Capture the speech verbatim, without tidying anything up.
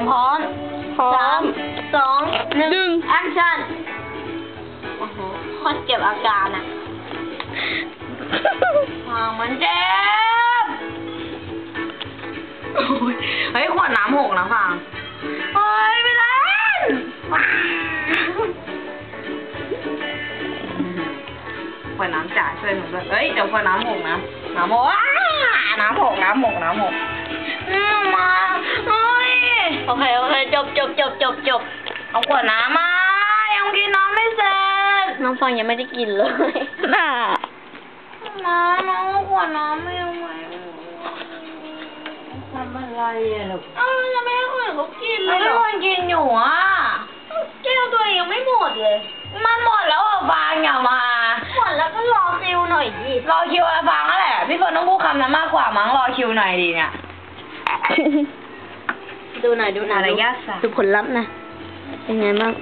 พร้อมสามสองหนึ่งแอคชั่นโอ้โหโคตรเก็บอาการอ่ะฟางมันเจ็บเฮ้ยขวดน้ำหกนะฟางเฮ้ยไม่เล่นขวดน้ำจ่ายช่วยหนูด้วยเฮ้ยเดี๋ยวขวดน้ำหกนะน้ำหกน้ำหกน้ำหกน้ำหกมาเฮ้ยโอเคโอเคจบจบจบจบจบเอาขวดน้ำมายังกินน้ำไม่เสร็จน้องฟังยังไม่ได้กินเลยน่ะมาน้องขวดน้ำไม่เอาไว้ทำอะไรอ่ะลูกเอ้าจะไม่ให้คนอื่นเขากินเลยไม่ควรกินอยู่อ่ะแก้วตัวเองยังไม่หมดเลยมันหมดแล้วอ่ะฟางอย่ามาหมดแล้วก็รอคิวหน่อยดิรอคิวอะไรฟางนั่นแหละพี่ฝนต้องพูดคำนั้นมากกว่ามั้งรอคิวหน่อยดีเนี่ยดูหน่อยดูหน่อยดูผลลัพธ์นะเป็นไงบ้าง